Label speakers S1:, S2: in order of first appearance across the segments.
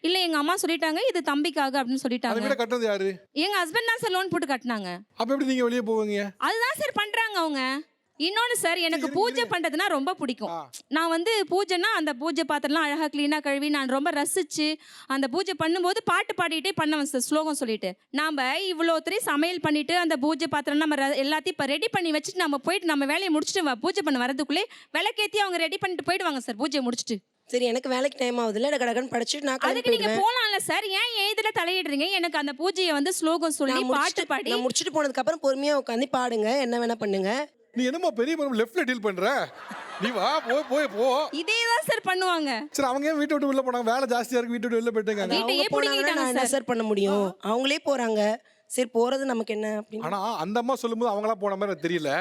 S1: இல்ல எங்க அம்மா சொல்லிட்டாங்க இது தம்பிக்காக அப்படின்னு
S2: அந்த
S1: சொல்லிட்டாங்க.
S2: வீட கட்டுறது யாரு?
S1: எங்க ஹஸ்பண்ட் தான் சார் லோன் போட்டு கட்டினாங்க.
S2: அப்ப எப்படி நீங்க வெளியே போவீங்க?
S1: அதுதான் சார் பண்றாங்க அவங்க. இன்னொன்னு சார் எனக்கு
S2: இருங்க,
S1: பூஜை
S2: இருங்க.
S1: பண்றதுன்னா ரொம்ப பிடிக்கும்.
S2: ஆ.
S1: நான் வந்து பூஜைன்னா அந்த பூஜை பாத்திரம்லாம் அழகா கிளீனா கழுவி நான் ரொம்ப ரசிச்சு அந்த பூஜை பண்ணும்போது பாட்டு பாடிட்டே பண்ணுவேன் சார், ஸ்லோகம் சொல்லிட்டு. நாம இவ்வளோத்தரையும் சமையல் பண்ணிட்டு அந்த பூஜை பாத்திரம் நம்ம எல்லாத்தையும் இப்போ ரெடி பண்ணி வச்சுட்டு நம்ம போயிட்டு நம்ம வேலையை முடிச்சுட்டு பூஜை பண்ண வரதுக்குள்ளே விளக்கேத்தி அவங்க ரெடி பண்ணிட்டு போயிடுவாங்க சார் பூஜையை முடிச்சுட்டு.
S3: சரி எனக்கு வேலைக்கு டைம் ஆகுதுல்ல, கடகடன்னு படிச்சுட்டு நான் கிளம்பி
S1: அதுக்கு நீங்க
S3: போயிடுவேன்.
S1: போலாம்ல சார், ஏன் இதுல தலையிடுறீங்க? எனக்கு அந்த பூஜையை வந்து ஸ்லோகம் சொல்லி பாட்டு பாடி
S3: நான் முடிச்சுட்டு போனதுக்கு அப்புறம் பொறுமையா உட்காந்து பாடுங்க, என்ன வேணா பண்ணுங்க.
S2: நீ என்னமா பெரிய பொண்ணு லெஃப்ட்ல டீல் பண்ற? நீ வா போ.
S1: இதே தான் சார் பண்ணுவாங்க.
S2: சரி அவங்க ஏன் வீட்டை விட்டு வெளில போனாங்க? வேலை ஜாஸ்தியா இருக்கு வீட்டை விட்டு வெளில போயிட்டாங்க.
S1: வீட்டையே
S3: அவங்க போனாங்கன்னா
S1: பிடிங்கிட்டாங்க
S3: நான் என்ன
S1: சார்.
S3: சார் பண்ண முடியும்? அவங்களே போறாங்க, சரி போறது நமக்கு என்ன அப்படின்னு.
S2: ஆனா அந்த அம்மா சொல்லும்போது அவங்களா போன மாதிரி எனக்கு தெரியல.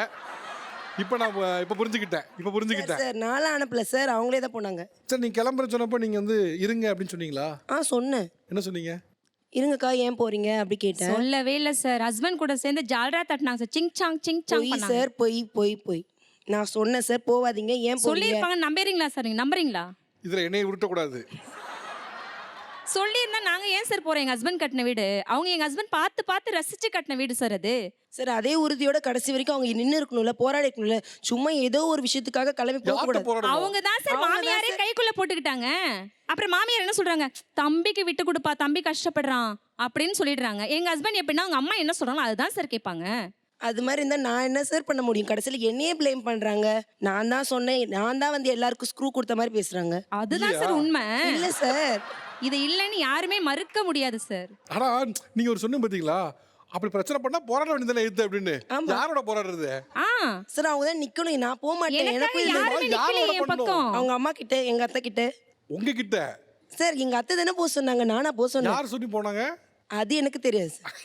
S2: இப்ப புரிஞ்சுக்கிட்டேன்.
S3: சார் நான்லாம் அனுப்பல சார், அவங்களே தான் போனாங்க.
S2: சரி நீங்க கிளம்புறேன்னு சொன்னப்போ நீங்க வந்து இருங்க அப்படின்னு சொன்னீங்களா?
S3: சொன்னேன்.
S2: என்ன சொன்னீங்க?
S3: இருங்கக்கா ஏன் போறீங்க அப்படி கேட்டேன்.
S1: சொல்லவே இல்ல சார். ஹஸ்பண்ட் கூட சேர்ந்து ஜால்ரா தட்டினாங்க சார். சிங் சாங்
S3: போய்
S1: பண்ணாங்க.
S3: சார் போய் நான் சொன்னேன் சார் போவாதீங்க, ஏன் போறீங்க?
S1: சொல்லியிருப்பாங்க, நம்புறீங்களா சார்? நீங்க நம்புறீங்களா?
S2: இதுல என்னைய உருட்டக்கூடாது.
S1: சொல்லியிருந்தா நாங்க ஏன் சார் போறோம்? எங்க ஹஸ்பண்ட் கட்டின வீடு, அவங்க எங்க ஹஸ்பண்ட் பார்த்து ரசிச்சு கட்டின வீடு சார் அது.
S3: சார் அதே உறுதியோட கடைசி வரைக்கும் அவங்க நின்று இருக்கணும்ல, போராடி இருக்கணும்ல. சும்மா ஏதோ ஒரு விஷயத்துக்காக கிளம்பி போக
S2: யார்கிட்ட
S3: கூடாது.
S2: போராடணும்?
S1: அவங்க தான் சார் மாமியாரே கைக்குள்ள போட்டுக்கிட்டாங்க. அப்புறம் மாமியார் என்ன சொல்றாங்க? தம்பிக்கு விட்டு கொடுப்பா, தம்பி கஷ்டப்படுறான் அப்படின்னு சொல்லிடுறாங்க. எங்க ஹஸ்பண்ட் எப்படின்னா அவங்க அம்மா என்ன சொல்றாங்களோ அதுதான் சார் கேட்பாங்க.
S3: அது மாதிரி இருந்தா நான் என்ன சார் பண்ண முடியும்? கடைசியில என்னையே ப்ளேம் பண்றாங்க. நான் தான் சொன்னேன், நான் தான் வந்து எல்லாருக்கும் ஸ்க்ரூ கொடுத்த மாதிரி பேசுறாங்க.
S1: அதுதான் சார் உண்மை.
S3: இல்ல சார்,
S1: இது இல்லைன்னு யாருமே மறுக்க முடியாது சார்.
S2: ஆனா நீங்க ஒரு சொன்ன பாத்தீங்களா, அப்படி பிரச்சனை பண்ணா போராட வேண்டியதானே எது அப்படின்னு. யாரோட போராடுறது?
S3: சார் அவங்க தான் நிக்கணும், நான் போக மாட்டேன்.
S1: எனக்காக
S3: எனக்கும் இல்ல.
S1: யாருமே
S2: யாரோட
S1: நிக்கலையே என்
S2: பண்ணணும்?
S1: பக்கம்.
S3: அவங்க அம்மா கிட்ட, எங்க அத்தை கிட்ட.
S2: உங்ககிட்ட
S3: சார் எங்க அத்தை தானே போக சொன்னாங்க, நானா போக சொன்னேன்?
S2: யார் சொல்லி போனாங்க?
S3: அது எனக்கு தெரியாது சார்.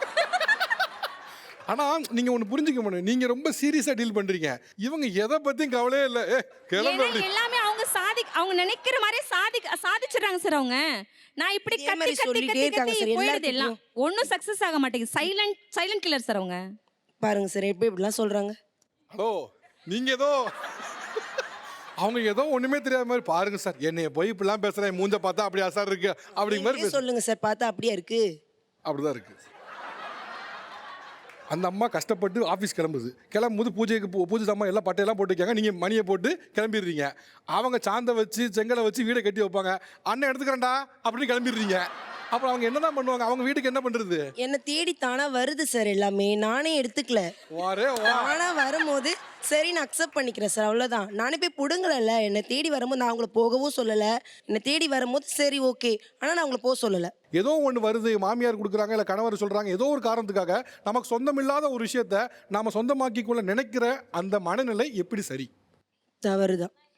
S2: ஆனா நீங்க ஒண்ணு புரிஞ்சுக்க முடியும், நீங்க ரொம்ப சீரியஸா டீல் பண்றீங்க. இவங்க எதை பத்தியும் கவலையே இல்ல. கிளம்பு
S1: ஏன்னா எல்லாமே அவங்க நினைக்கிற மாதிரி சாதிச்சிடுறாங்க சார் அவங்க. நான் இப்படி
S3: இதே மாதிரி சொல்லிட்டே இருக்காங்க சார்
S1: போயிடுது எல்லாம்.
S3: எல்லாத்துக்கும்.
S1: ஒன்னும் சக்சஸ் ஆக மாட்டேங்குது. சைலண்ட் கில்லர் சார் அவங்க.
S3: பாருங்க சார் எப்படி இப்படிலாம் சொல்றாங்க.
S2: ஹலோ நீங்க ஏதோ அவங்க ஏதோ ஒண்ணுமே தெரியாத மாதிரி பாருங்க சார். என்னைய போய் இப்படிலாம் பேசுறேன், மூஞ்ச பார்த்தா அப்படி அசார் இருக்கு அப்படிங்கிற மாதிரி
S3: நீங்களே சொல்லுங்க சார், பார்த்தா அப்படியே இருக்கு.
S2: அப்படிதான் இருக்கு. அந்த அம்மா கஷ்டப்பட்டு ஆஃபீஸ் கிளம்பும்போது பூஜை சாமான் எல்லாம் பட்டையெல்லாம் போட்டு வைக்காங்க. நீங்கள் மணியை போட்டு கிளம்பிடுறீங்க. அவங்க சாந்தை வச்சு செங்கலை வச்சு வீடை கட்டி வைப்பாங்க. அண்ணன் எடுத்துக்கிறேன்டா அப்படின்னு கிளம்பிடுறீங்க. அப்புறம் அவங்க என்னதான் பண்ணுவாங்க? அவங்க வீட்டுக்கு என்ன பண்ணுறது?
S3: என்ன தேடி தானா வருது சார் எல்லாமே, நானே எடுத்துக்கல. தானா வரும்போது சரி நான் அக்செப்ட் பண்ணிக்கிறேன் சார், அவ்வளோதான். நானே போய் பிடுங்கல. என்னை தேடி வரும்போது நான் அவங்கள போகவும் சொல்லலை. என்னை தேடி வரும்போது சரி ஓகே, ஆனால் நான் அவங்கள போக சொல்லலை.
S2: ஏதோ ஒன்று வருது, மாமியார் கொடுக்குறாங்க இல்லை கணவர் சொல்கிறாங்க, ஏதோ ஒரு காரணத்துக்காக நமக்கு சொந்தமில்லாத ஒரு விஷயத்த நாம் சொந்தமாக்கிக்குள்ள நினைக்கிற அந்த மனநிலை எப்படி சரி?
S3: தவறுதான்.